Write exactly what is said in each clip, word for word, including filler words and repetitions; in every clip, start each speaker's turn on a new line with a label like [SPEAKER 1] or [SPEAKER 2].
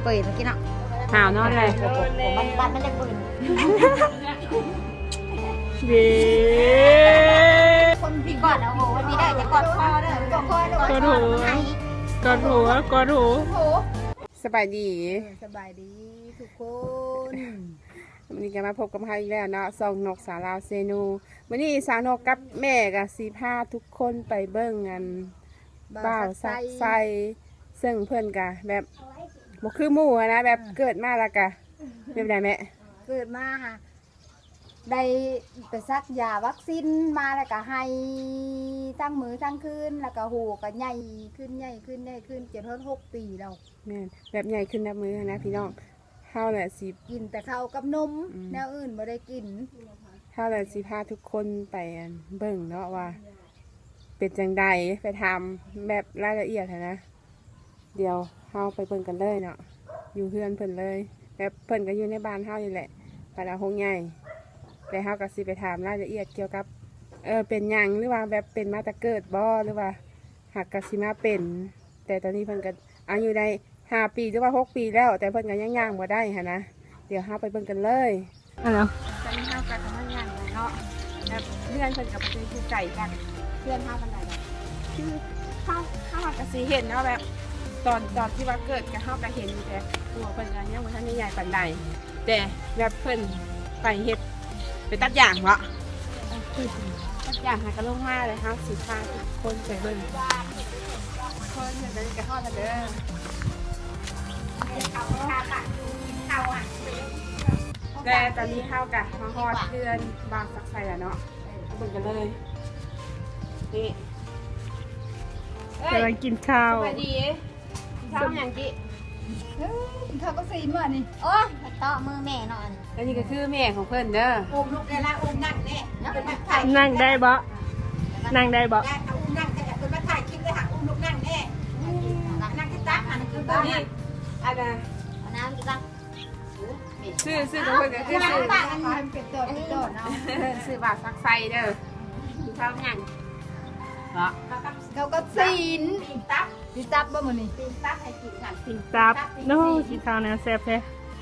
[SPEAKER 1] เปิดเมื่อกี้เนาะ
[SPEAKER 2] หาวนอนเลย
[SPEAKER 1] ผมมันบ้านมันจะปืน
[SPEAKER 2] เย้
[SPEAKER 1] คนพี่กอดเอาโหพี่ได้จะกอดคอเด้อกอดคอเด้อก
[SPEAKER 2] อดหูกอดหูกอดหู
[SPEAKER 1] โห
[SPEAKER 2] สบายดี
[SPEAKER 1] สบายดีทุกคน
[SPEAKER 2] วันนี้ก็มาพบกับใครอีกแล้วเนาะซองนกสาวลาวเซนูวันนี้สาวนกกับแม่กับสีผ้าทุกคนไปเบิ้งกันบ่าวซักไซซึ่งเพื่อนกะแบบบ่คือหมู่อะนะแบบเกิดมาแล้วกะแบบไหนแม่
[SPEAKER 1] เกิดมาค่ะได้ไปซักยาวัคซีนมาแล้วก็ให้ตั้งมือตั้งคืนแล้วก็หูก็ใหญ่ขึ้นใหญ่ขึ้นใหญ่ขึ้นเจ็ดทอดหกปีแล้ว
[SPEAKER 2] แม่นแบบใหญ่ขึ้นนับมือนะพี่น้องเฮาแหละสิ
[SPEAKER 1] กินแต่ข้าวกับนม
[SPEAKER 2] อืม
[SPEAKER 1] แนวอื่นไม่ได้กิน
[SPEAKER 2] เฮาแหละสิพาทุกคนไปอันเบิ่งเนาะว่า เป็นจังใดไปทำแบบรายละเอียดหั้นนะ เดี๋ยวเฮาไปเบิ่งกันเลยเนาะอยู่เพื่อนเพิ่นเลยแบบเพิ่นก็อยู่ในบ้านเฮานี่แหละบ้านอาหงใหญ่แต่เฮาก็สิไปถามรายละเอียดเกี่ยวกับเออเป็นหยังหรือว่าแบบเป็นมาแต่เกิดบ่หรือว่าหากกสิมาเป็น แต่ตอนนี้เพิ่นก็อายุได้ห้าปีหรือว่าหกปีแล้ว แต่เพิ่นก็ยังย่างบ่ได้หั้นนะเดี๋ยวเฮาไปเบิ่งกันเลยอ่ะเนาะตอนนี้เฮาก็ทำงานเนาะแบบเพื่อนเพิ่นก็บ่เคยอยู่ไกลกันเพื่อนเฮาปานใดดอกคือเฮาเฮาก็สิเห็นเนาะแบบ ตอนตอนที่ว่าเกิดกับเฮาก็เห็นอยู่แต่ตัวเพิ่นก็ยังบ่ทันได้ใหญ่ปานใดแต่แบบเพิ่นไปเฮ็ดไปตัดหญ้าเนาะตัดหญ้าหาก็ลงมาเลยเฮาสิพาทุกคนไปเบิ่งคนเพิ่นก็ฮอดแล้วเด้อแต่ตอนนี้เฮาก็มาฮอดเดือนบางสักไสแล้วเนาะเบิ่งกันเลยนี่กำลังกินข้าว
[SPEAKER 1] สวัสดี
[SPEAKER 2] ข้าวอย่างกี้
[SPEAKER 1] เขาก็ซีมานี่โอ้ยเตาะมือแม่นอน
[SPEAKER 2] แล้วนี่ก็คือแม่ของเพิ่นเด้อ
[SPEAKER 1] อุ้มลูกได้ละอุ้มนั่งแน่เป็นมาถ่าย
[SPEAKER 2] นั่งได้บ่นั่งได้บ่
[SPEAKER 1] ได้อุ้มนั่งจะเป็นมาถ่ายคลิปเลยค่ะอุ้มลูกนั่งแน่นั่งที่ตั้งอันนี้คือตัวนี้
[SPEAKER 2] อันน่ะ
[SPEAKER 1] น้ำที่ตั้ง
[SPEAKER 2] ชื่อชื่อของเพิ่นก็คือชื่อ
[SPEAKER 1] ตั้งอันนี้เป็นตัวเป็นตัวเนาะ
[SPEAKER 2] ชื่อบาทซักไซเด้อกินข้าวยังเหรอ
[SPEAKER 1] เขาก็ซีนตีตับตีตับบ่มื้อนี้ตีตับให้กินค่ะ
[SPEAKER 3] กินตับโน้กินข้าวแนวแซ่บแท้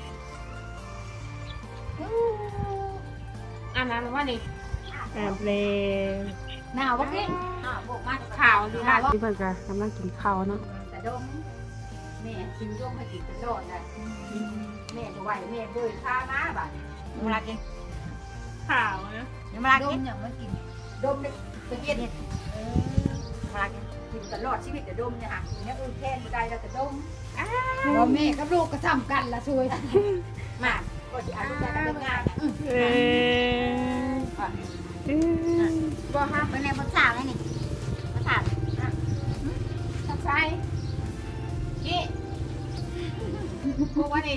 [SPEAKER 2] อันนั้นว่านี่
[SPEAKER 3] แอบเลย
[SPEAKER 1] หนาวบ่กินหนาวบ่มาก
[SPEAKER 2] ข่าวดีละที่เพิ่นก็กำลังกินข้าวเนาะ
[SPEAKER 1] แต่ดมแม่ชิวดมให้กินตลอดเลยแม่จะไหวแม่เดินพามาบัดเวลากิน
[SPEAKER 3] ข่าวนะ
[SPEAKER 1] เวลากินอย่างไม่กินดมเนี่ยจะเย็นเออเวลากินกินตลอดชีวิตแต่ดมเนี่ยค่ะเนี่ยอื่นแค่ไม่ได้เราแต่ดมว่าแม่กับลูกก็ทำกันละช่วยมากก็จะเอาลูกได้เป็นงาน
[SPEAKER 3] เออ
[SPEAKER 2] บ่ฮะ
[SPEAKER 1] เป็นไงภาษาไงนี่ภาษา
[SPEAKER 2] ซักไซกี้กูว่านี่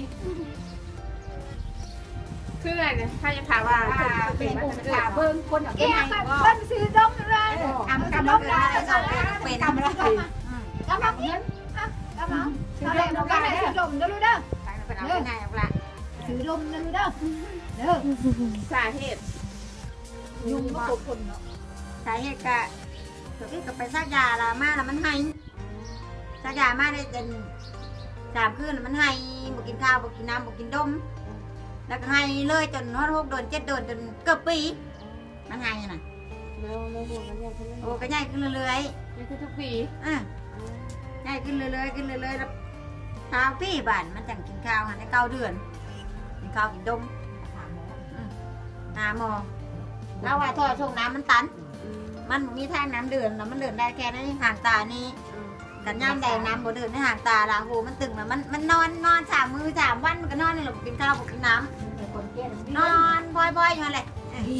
[SPEAKER 2] คืออะไรเนี่ยถ้าจะถามว่าเพิ่นเป็นมาแต่เกิด
[SPEAKER 1] เบิ้งคนอย่างนี้เบิ้งซื้อดมเลยทำกำลังได้เป็นกำลังกำลังเงินกำลังซื้อดมเราได้ซื้อดมเด้อลูกเด้อ
[SPEAKER 2] เป็นเอาไปไหนเอาละ
[SPEAKER 1] ซื้อดมเด้อลูกเด้อเด้อ
[SPEAKER 2] สาเหตุ
[SPEAKER 1] ยุงมาปกคนเนาะ
[SPEAKER 4] สาเหตุก็คือกับไปซักยาละมาแล้วมันให้ซักยามาได้จนสามคืนแล้วมันให้บอกกินข้าวบอกกินน้ำบอกกินดมแล้วก็ให้เลยจนฮอดหกเดือนเจ็ดเดือนจนเกือบปีมันให้น่ะ
[SPEAKER 2] แล้วแล้วหัวกันยังเพิ่น
[SPEAKER 4] โอ้ก็ใหญ่ขึ้นเรื่อย
[SPEAKER 2] นี่คือทุกปี
[SPEAKER 4] ๆอ่ะใหญ่ขึ้นเรื่อยๆขึ้นเรื่อยๆแล้วเช้าปีบ้านมันจังกินข้าวหันได้เก้าเดือนกินข้าวกินดมอืมหาหมอแล้วว่าท่อส่งน้ำมันตัน มันมีทางน้ำเดือนแล้วมันเดินได้แค่นั้นห่างตานี่กันย่ำแดงน้ำบ่เดินในห่างตาละโหมันตึงแล้วมันมันนอนนอนสามมือสามวันมันก็นอนนี่แหละกินข้าวกินน้ำนอนบ่อยๆอยู่นั่นแหละ
[SPEAKER 1] ผี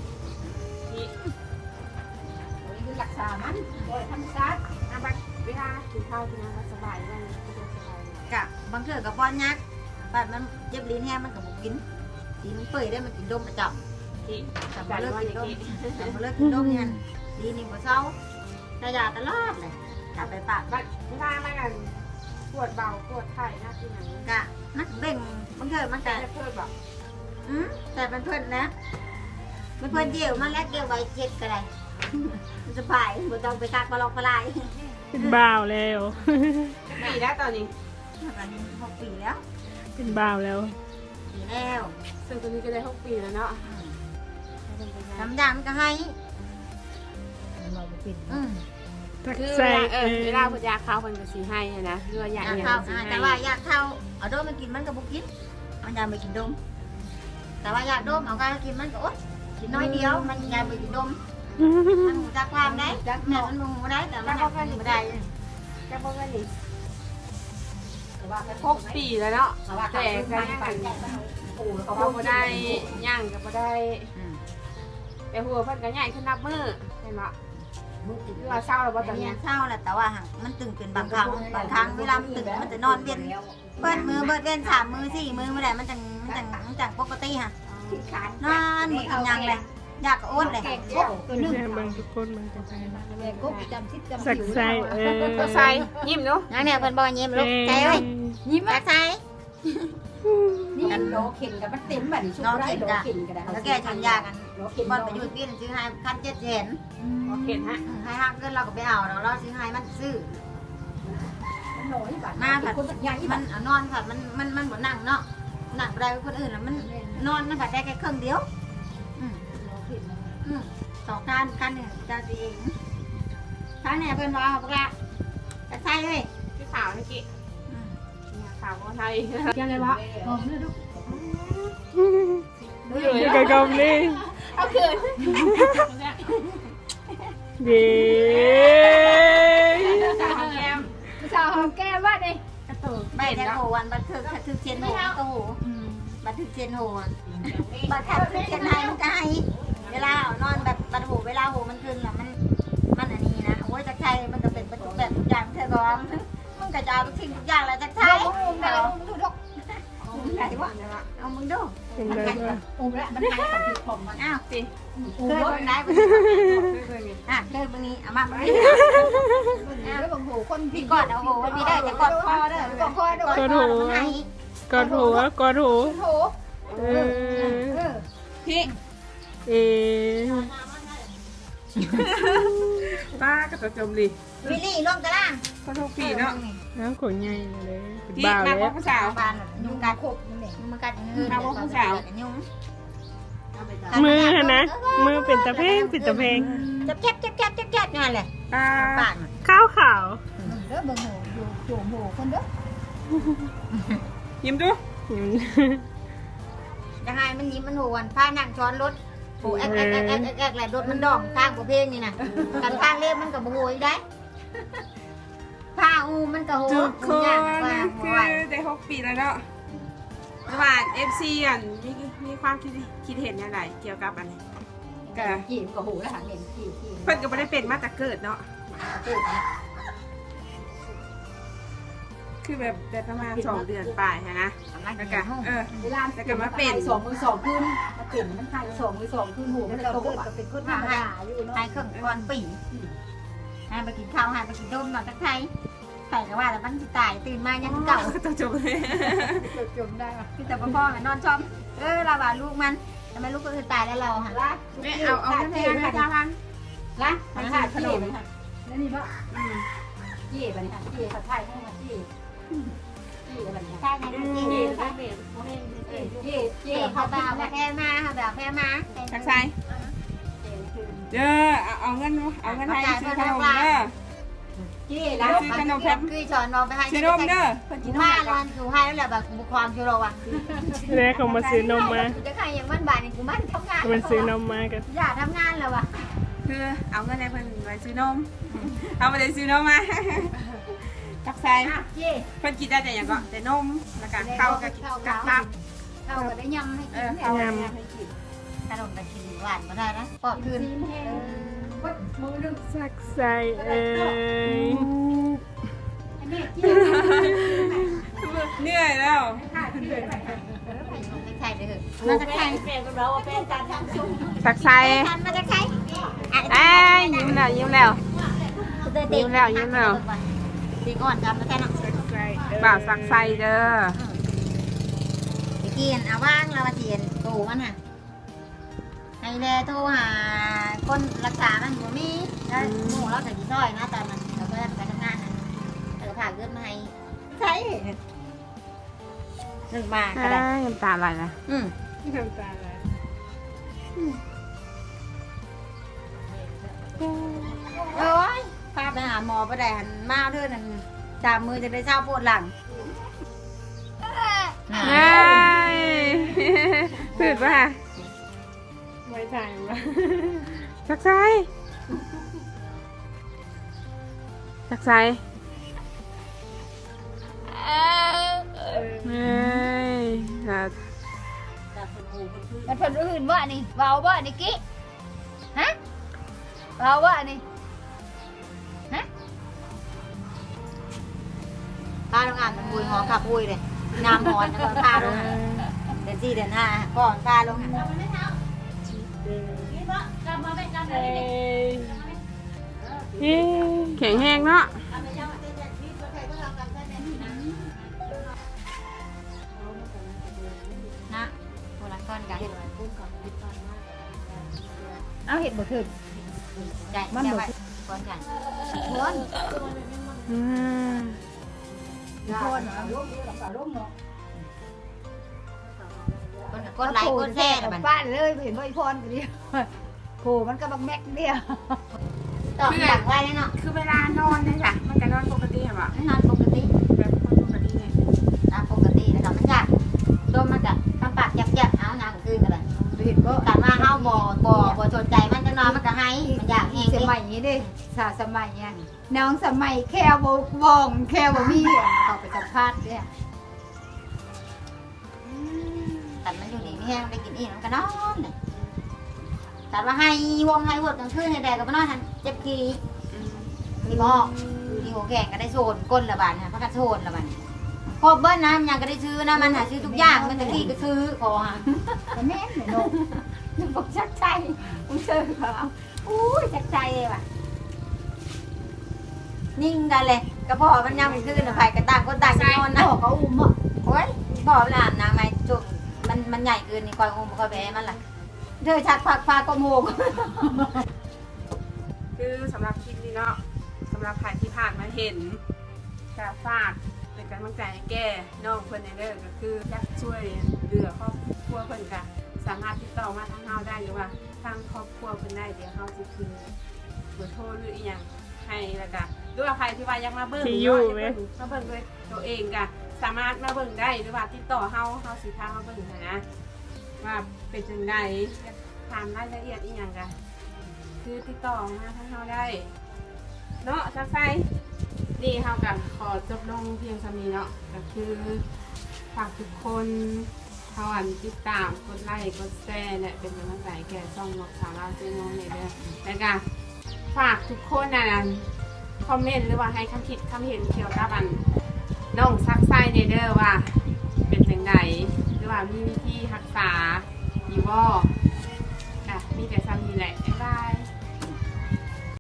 [SPEAKER 1] คือรักษามันโดยธรรมชาติ
[SPEAKER 2] อ่ะบัดเวลากินข้าวกินน้ำสบายบ้างสะดวกสบาย
[SPEAKER 4] กะบางเทื่อกับป้อนยักษ์บัดมันเจ็บลิ้นแห้งมันก็บ่กินดีมันเปื่อยได้มันกินดมประจำ
[SPEAKER 2] ที่
[SPEAKER 4] แต่บ่เลิกกินดมแต่บ่เลิกกินดมเนี่ยดีนี่บ่เศร้าแต่ยาตลอดเลยกลับไปปาก
[SPEAKER 2] บัดเวลามากันปวดเบาปวดไข้หน้าที่ไหน
[SPEAKER 4] กะมันเบ่งบางเทื่อมัน
[SPEAKER 2] แต่
[SPEAKER 4] กะ
[SPEAKER 2] จะเพิ่มแบบ
[SPEAKER 4] อืมแต่เป็นเพื่อนนะเป็นเพื่อนเดียวมันแล้วเกี่ยวไว้เจ็ดก็ได้ มันสบายบ่ต้องไปตักปลอกปลาย
[SPEAKER 3] เป็นบ่าวแล้ว
[SPEAKER 2] ปีแล้วตอนนี้
[SPEAKER 4] มอันนี้หกปีแล้ว
[SPEAKER 3] เป็นบ่าวแล้ว
[SPEAKER 4] ปีแล้ว
[SPEAKER 2] ซึ่งตัวนี้ก็ได้หกปีแล้วเนาะ
[SPEAKER 4] ทำยามก็ให้
[SPEAKER 1] เราบ่เป็น
[SPEAKER 4] อืม
[SPEAKER 3] ทัก
[SPEAKER 2] คือ
[SPEAKER 3] ใส่
[SPEAKER 2] เวลาเอ
[SPEAKER 3] เอ
[SPEAKER 2] อ
[SPEAKER 3] อ
[SPEAKER 2] เวลาพยาข้าวมันก็สีให้นะคือว่าอยาก
[SPEAKER 4] อยาก
[SPEAKER 2] อย่าง
[SPEAKER 4] เข้า
[SPEAKER 2] สีให้
[SPEAKER 4] แต่ว่าอยากเข้าเอาโดมมากินมันก็บุกินมันอยากไปกินดมแต่ว่าอยากดมเอาการกินมันก็อดกินน้อยเดียวมันอยากไปกินดมมันหูจักความได้แม่มันหูได้แต่มันกินไม่ได้
[SPEAKER 2] จะบอกว่านี่
[SPEAKER 1] แต่ว่า
[SPEAKER 2] หกปีแล้วเนาะ
[SPEAKER 1] แต่ว่า
[SPEAKER 2] แต่ก็ยัง
[SPEAKER 1] ไป
[SPEAKER 2] กัน
[SPEAKER 1] โอ้เขา
[SPEAKER 2] เขาบ่ได้ย่างก็บ่ได้
[SPEAKER 4] อืม
[SPEAKER 2] แต่หัวเพิ่นก็ใหญ่ขึ้นนับมือเห็นบ่
[SPEAKER 1] ลูกติด
[SPEAKER 2] คือว่าเศร้าแล้วบ่ตอน
[SPEAKER 4] เรี
[SPEAKER 2] นี้
[SPEAKER 4] ยนเศร้าแหละแต่ว่ามันตึงเป็นบางครั้งบางครั้งเวลามันตึงมันจะนอนเวียนเบิดมือเบิดเวียนสามมือสี่มือไม่ได้มันจังมันจังมันจังปกติค่ะ
[SPEAKER 1] ที่ขาน
[SPEAKER 4] นอนมือกินยังเลยอยากก็อดเลย
[SPEAKER 1] แกงกบตัวนึง
[SPEAKER 3] แม่เบิ่งทุกคนมันกันใจนะ
[SPEAKER 1] แกงกบจำซิดจำ
[SPEAKER 3] สักใส่เออ
[SPEAKER 2] ตัวใส่ยิ้มเนาะ
[SPEAKER 4] นั่นเนี่ยเพิ่นบอกยิ้มลูกใจเว้ย
[SPEAKER 1] ยิ้ม
[SPEAKER 4] ใจใจ
[SPEAKER 1] นี่โลเข็นกับมันเต็มแบบนี้ชุบไรโลเข็นกันได้
[SPEAKER 4] แล้วแกชันยากัน
[SPEAKER 1] โลเข็น
[SPEAKER 4] ก่อนไปอยู่ปีนึงซื้อให้พันเจ็ดเห็น
[SPEAKER 2] โอเคฮะ
[SPEAKER 4] ให้หักเงินเราก็ไปเอาเราเราซื้อให้มันซื้อ
[SPEAKER 1] มันน้อยบาท
[SPEAKER 4] มาผัด
[SPEAKER 1] คนสักอย่างที่
[SPEAKER 4] มั
[SPEAKER 1] มัน น
[SPEAKER 4] เอานอนผัดมันมันมันบ่นั่งเนาะนั่งบ่ได้กับคนอื่นแล้วมันนอนมันผัดได้แค่ครึ่งเดียวอืม
[SPEAKER 1] โลเข็น
[SPEAKER 4] อืมสองการกันเนี่ยจะดีเองท่านเนี่ยเพิ่นว่าเอาปลาจะใช่เลย
[SPEAKER 2] พี่สาวนี่กิ
[SPEAKER 4] อืม
[SPEAKER 2] เนี่ยสาวคนไทย
[SPEAKER 1] ยังไงวะหอมเลยลูก
[SPEAKER 2] ดูอยู่
[SPEAKER 3] อยู่
[SPEAKER 2] เลย
[SPEAKER 3] กับกำนี่
[SPEAKER 2] เอาคืน
[SPEAKER 3] เย้
[SPEAKER 2] สาวแก้ม
[SPEAKER 1] สาวหอมแก้มว่าดิ
[SPEAKER 4] ใบแทงโหวันบันทึกบันทึกเชียนโหก็โหบันทึกเชียนโหบันทึกเชียนไทยมันก็ให้เวลาเอานอนแบบบันโหเวลาโหมันคืนละมันมันอันนี้นะโอ้ยจักไทยมันก็เป็นประตูแบบทุกอย่างเธอก็มันก็จะเอาทุกสิ่งทุกอย่างแหละจักไทย
[SPEAKER 1] แต่
[SPEAKER 4] เอา
[SPEAKER 1] มึงดูดก
[SPEAKER 4] ไหนวะเอามึงดู
[SPEAKER 3] เป็นไรวะ
[SPEAKER 1] อุ้มแล้วมันให้สัมผัสผมมัน
[SPEAKER 4] อ้าว
[SPEAKER 2] สิ
[SPEAKER 1] อุ้ม
[SPEAKER 4] เคย
[SPEAKER 1] รถ
[SPEAKER 4] เบิ่งได้บ่อ่ะเคยเบิ่งนี้เอามาเบิ่งนี้
[SPEAKER 1] แล้วบางหูคน
[SPEAKER 4] พี่กอดเอาโหมีได้จะกอดคอเด้อกอดคอเด้อกอดคอมันให้
[SPEAKER 3] กอดหัวกอดหู
[SPEAKER 1] โถ
[SPEAKER 3] เอ
[SPEAKER 1] เอ
[SPEAKER 3] อ
[SPEAKER 1] อ
[SPEAKER 2] พี่
[SPEAKER 3] เอ
[SPEAKER 2] ป้ากับตัวจมดิ
[SPEAKER 4] วิลลี่ลงตาราง
[SPEAKER 2] ก็ทุกปีเนาะ
[SPEAKER 3] น้ำขนใหญ่เลยเป็น
[SPEAKER 2] พี่
[SPEAKER 3] บ่าว
[SPEAKER 2] มา
[SPEAKER 3] แล้
[SPEAKER 2] พบ
[SPEAKER 3] ว
[SPEAKER 2] ผู้สาว
[SPEAKER 4] บานยุงกัด
[SPEAKER 1] ขบนั่นเอง
[SPEAKER 4] มันกัดอย่างอื่นยุง
[SPEAKER 3] มือหั่นนะมือเป็นตะเพงเป็นตะเพง
[SPEAKER 4] จับแจ๊บจับแจ๊บจับแจ๊บนั่นแหละ
[SPEAKER 2] ป้า
[SPEAKER 4] ปาก
[SPEAKER 3] ข้าวขาว
[SPEAKER 1] เด้อบางหูอยู่โจมหูคนเด้อ
[SPEAKER 2] ยิ้มดู
[SPEAKER 4] ยังไงมันยิ้มมันโหวนพานั่งช้อนรถโหแอ๊กแอ๊กแอ๊กแอ๊กแอ๊กแหละรถมันดองทางประเพณีนี่นะกันทางเล็บมันกับโหยได้ผ้าอูมันกับโห
[SPEAKER 2] ทุกค
[SPEAKER 4] ย่าง
[SPEAKER 2] น
[SPEAKER 4] ว่า
[SPEAKER 2] คื
[SPEAKER 4] ไหว
[SPEAKER 2] อได้หกปีแล้วเนาะระหว่างเอฟซีอ่ะมีมีความคิดคิดเห็นยังไงเกี่ยวกับอันนี้
[SPEAKER 1] จีบกับหูแล้วหาเห็นจีบจีบ
[SPEAKER 2] เพิ่นก็ไม่ได้เป็นมาแต่เกิดเนาะ
[SPEAKER 1] พูดนะ
[SPEAKER 2] คือแบบแต่ประมาณสองเดือนปลายฮะนะแล้วก็เออ
[SPEAKER 1] เวลาสองมือสองขึ้นมาเปลี่ยนมันให้สองมือสองขึ้นหูมันโตก็เป็นคนธรรมดาอยู่เนาะ
[SPEAKER 4] ให้เครื่องก่อนปีให้ไปกินข้าวให้ไปกินต้มนอนตะไคร้ใส่ก็ว่าแต่มันสิตายตื่นมายังเก่า
[SPEAKER 2] ตัวจบเลย
[SPEAKER 1] จมได้ป่ะ
[SPEAKER 4] คือแต่พ่อแม่นอนชอมเออเราว่าลูกมันทำไมลูกก็คือตายแล้วเราค่ะ
[SPEAKER 1] ละ
[SPEAKER 2] ไม่เอาเอาแค่แค่พัน
[SPEAKER 1] ละมันขาดขนมแล้วนี่ป่ะจี้ไปนี่ค่ะจี้ผัดไทยให้มาจี้จี้อะไรเนี่ย
[SPEAKER 4] ใช่ไหมจี
[SPEAKER 1] จี้
[SPEAKER 4] ใช่
[SPEAKER 1] จี้จี้
[SPEAKER 4] จีเขาแบบแบบแพ้มาเขาแบบแพ้มา
[SPEAKER 2] ทักไซเด้อเอาเอาเงินเอาเงินให้ซื้อขนมเด้อ
[SPEAKER 1] จี้แล้ว
[SPEAKER 4] คือสอนเราไปให้
[SPEAKER 2] ซื้อนมเด้อเพิ่นกินนม
[SPEAKER 4] ผ้า
[SPEAKER 2] ก่
[SPEAKER 4] ร้
[SPEAKER 2] อ
[SPEAKER 4] อน นอยู่ให้แล้วแหละแบบความชิวเราอ่ะ
[SPEAKER 3] แม่เขามาซื้อนมมา
[SPEAKER 4] จะใครอย่างมันบาทนี่กูมันทำงาน
[SPEAKER 3] มันซื้อนมมากัน
[SPEAKER 4] อย่าทำงานแล้วอ่ะ
[SPEAKER 2] คือเอาเงินให้เพิ่นไว้ซื้อนมเอาไปเลยซื้อนมมาทักไซ
[SPEAKER 1] จี้
[SPEAKER 2] เพิ่นกินได้แต่อย่างก็แต่นมแล้วก็ข้าวกับกับตับ
[SPEAKER 1] เข้ากันได้ยำให้กิน
[SPEAKER 4] ขนมตะกินหวานมาได้นะปอดคืน
[SPEAKER 1] มือนึง
[SPEAKER 3] สักใส่เอ้ย
[SPEAKER 1] อันนี้จี้
[SPEAKER 2] เหนื่อยแล้ว
[SPEAKER 4] ใช่เลยมาจากใคร
[SPEAKER 2] ทักไซ
[SPEAKER 4] มาจากใคร
[SPEAKER 2] เอ้ยยิ้มแล้วยิ้มแล้ว ยิ้มแล้วยิ้มแล้ว
[SPEAKER 4] ตีก่อนจำมาแค่นั้น
[SPEAKER 3] สักใส่เอ้ย
[SPEAKER 2] บ่าวสักไซเด้อ
[SPEAKER 4] ไปกินเอาว่างเรามาเทียนตู่มันค่ะให้แลโทรหาคนรักษามันบ่มีแล้วหมู่เราแต่กี่ซอยนะตอนนั้นเราก็ไปทำงานนะเราผ่าเงินมาให้ใช่นึ่งมาก็
[SPEAKER 2] ได้
[SPEAKER 4] ได้
[SPEAKER 2] น้ำตาไหลนะ
[SPEAKER 4] อืม
[SPEAKER 3] น้ำตาไหล
[SPEAKER 4] โอ้ยพาไปหาหมอไปได้หันมาเด้อนั่นตามมือจะได้เช้าปวดหลัง
[SPEAKER 2] ได้ผืดป่ะ
[SPEAKER 3] ไว้ใจมั้ย
[SPEAKER 2] จักไซจักไซเฮ้ยครับ
[SPEAKER 1] มันเพิ่นอื่นว่านี่เว้าว่านี่กิฮะเว้าว่านี่ฮะ
[SPEAKER 4] พาลงอ่านมันบุยหอขับบุยเลยน้ำหอนแล้วก็พาลงเดือนสี่เดือนห้าก่อนพาลง
[SPEAKER 2] เย้แข็งแห้งเนาะ
[SPEAKER 4] นะโบราณก้อนกัน
[SPEAKER 1] เอาเห็ดบ่ถึง
[SPEAKER 4] ใจมันบ่ก้อนกัน
[SPEAKER 1] คน
[SPEAKER 2] อืม
[SPEAKER 1] คนเอาลงเอาปลาลงเนาะ
[SPEAKER 4] ก้นก้นไหลก้นแท้ละมัน
[SPEAKER 1] ป้านเลยเห็นบ่อีพรก็ดีโผมันก็บักแม็กเดียว
[SPEAKER 4] ต่อหลังไว้เนาะ
[SPEAKER 2] คือเวลานอนเนี่ยจ้ะมันจะนอนปกติเหรอ
[SPEAKER 4] นอนปกติ
[SPEAKER 2] แบบคนปกติเนี่ย
[SPEAKER 4] ตามปกติแล้วมันยากโดนมันกะทำปากยับๆเอานางคืนกันเลย
[SPEAKER 1] เห็นบ่
[SPEAKER 4] การว่าเฮาบ่บ่บ่สนใจมันจะนอนมันก็ให้มันอยากเอง
[SPEAKER 1] ส
[SPEAKER 4] เด้
[SPEAKER 1] มัยนี้เด้สาสมัยเนี่ยน้องสมัยแค่บ่ว่องแค่บ่มีเขาไปสัมภาษณ์เนี่ย
[SPEAKER 4] แต่มันอยู่นี่ไม่แห้งได้กินอีกมันก็นอนเลยแต่ว่าให้วงให้วดกลางคืนให้แดดก็บ่นอนหันเจ็บขี้ที่บ่อยู่ที่หัวแข่งก็ได้โซนก้นละบาดฮะพักกันโซนละบาดครบเบิ้ลนะมันยังก็ได้ซื้อนะมันหาซื้อทุกอย่างมันตะกี้ก็ซื้อขอหา
[SPEAKER 1] แต่แม่นเนี่ยเนาะนึกบอกชักใจมึงเจอเขา
[SPEAKER 4] อุ้ยจักใจเลยว่ะนิ่งกันเลยกระเพาะมันยังไม่ขึ้นอะไผกระต่างคนต่างจะนอนนะ
[SPEAKER 1] เขาอุ้มอ่ะ
[SPEAKER 4] โอ้ยบอกหลานนะไม่จุกมันมันใหญ่เกินนี่คอยงมคอยแบมันล่ะเธอชักผักพากระโมก
[SPEAKER 2] คือสำหรับคลิปนี้เนาะสำหรับใครที่ผ่านมาเห็นกาฝากเป็นกำลังใจให้แก่น้องเพิ่นในเด้อก็คืออยากช่วยเหลือครอบครัวเพิ่นก็สามารถติดต่อมาทางเฮาได้หรือว่าทางครอบครัวเพิ่นได้เดี๋ยวเฮาสิคืนเบอร์โทรหรืออีหยังให้แล้วก็หรือว่าใครที่ว่าอยากมาเบิ่ง
[SPEAKER 3] ที่
[SPEAKER 2] เนาะ
[SPEAKER 3] อยู่
[SPEAKER 2] อยาก
[SPEAKER 3] ไหม
[SPEAKER 2] เบิ่งมาเบิ่งด้วยตัวเองก็สามารถมาเบิ่งได้หรือว่าติดต่อเฮาเฮาสิพามาเบิ่งให้นะว่าเป็นจังไดอยากถามรายละเอียดอีหยังก็คือติดต่อมาทางเฮาได้เนาะจักไสนี่เฮาก็ขอจบลงเพียงเท่านี้เนาะก็คือฝากทุกคนเฮาอันติดตามกดไลค์กดแชร์และเป็นกำลังใจแก่ช่องนกสาวเราวเจ๊งงเนี่ยเด้อแล้วก็ฝากทุกคนนะคอมเมนต์หรือว่าให้คำคิดคำเห็นเกี่ยวกับอันน้องซักไส้เนเด้อว่าเป็นจังไดหรือว่ามีวิธีรักษาอยู่บ่อ่ะมีแต่ซ้ำนี้แหละบ๊ายบาย